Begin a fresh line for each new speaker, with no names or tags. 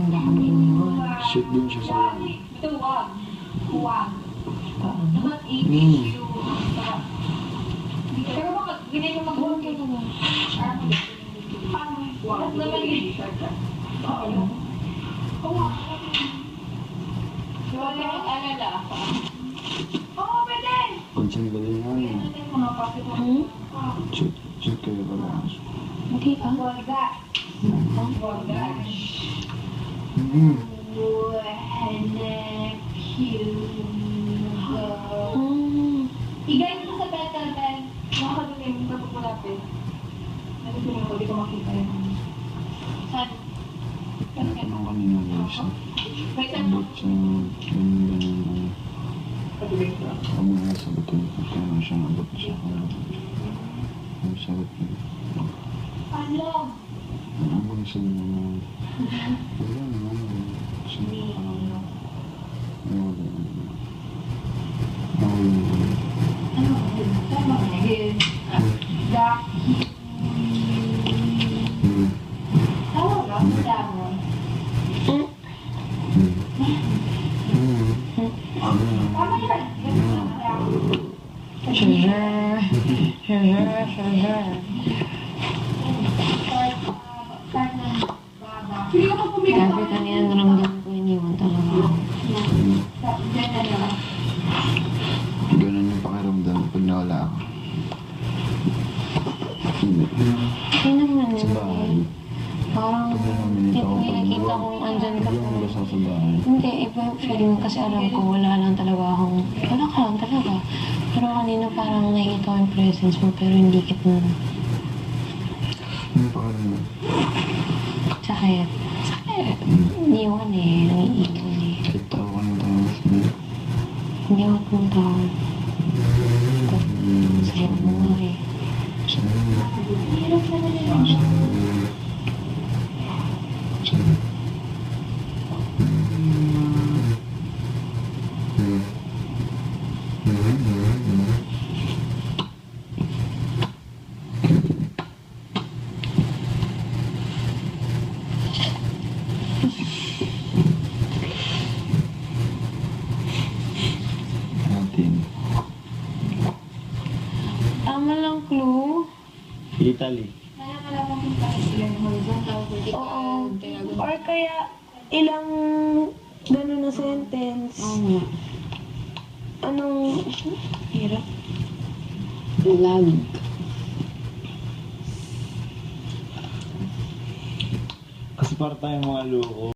nila kami iniwan.
Shit din siya sa
Paano?
Pero bakit ganyan yung mag-work ka naman? Paano? Bakit naman yun? Wala yung alala. Oo, pwede!
Pansin ka din namin. Shoot kayo pala.
Hindi ka?
Wala. Igay mo sa petal pen. Nakakadulim, napapulapit. Nagpapulapit ko, di ko makita yun. Saan?
Ano kanina guys?
Wait lang.
Abot sa ganyan. Kami nga sagutin ko kaya na siya abot siya. Ang sagot niya.
Ano?
Ang bang sagot niya. Wala naman. Sino pa lang. Wala naman.
Ano? Tama ka na yun. Tawag ka? Tawag. Tama yun.
Sugar. Sugar, sugar. Grabe kanina naramdaman ko iniwan talaga ako.
Ganun yung pakiramdam pag nawala ako.
Hindi naman
Sa bahay.
Parang nakita kong andyan ka
Hindi ako basta sa bahay.
Hindi, iba yung feeling kasi alam ko wala lang talaga akong, wala ka lang talaga. Pero kanina parang nakikita ko yung presence mo pero hindi kita na.
Ano pa ka naman?
Sakit. Sakit. Iniwan eh, nangiiwan eh.
Kahit tao ka ng tao.
Hindi ako pumunta. Sakit mo nga eh. Tama lang, clue.
Italy.
Oo. Or kaya ilang gano'n na sentence.
Oo.
Anong hirap?
Lag.
Kasi para tayong mga loko.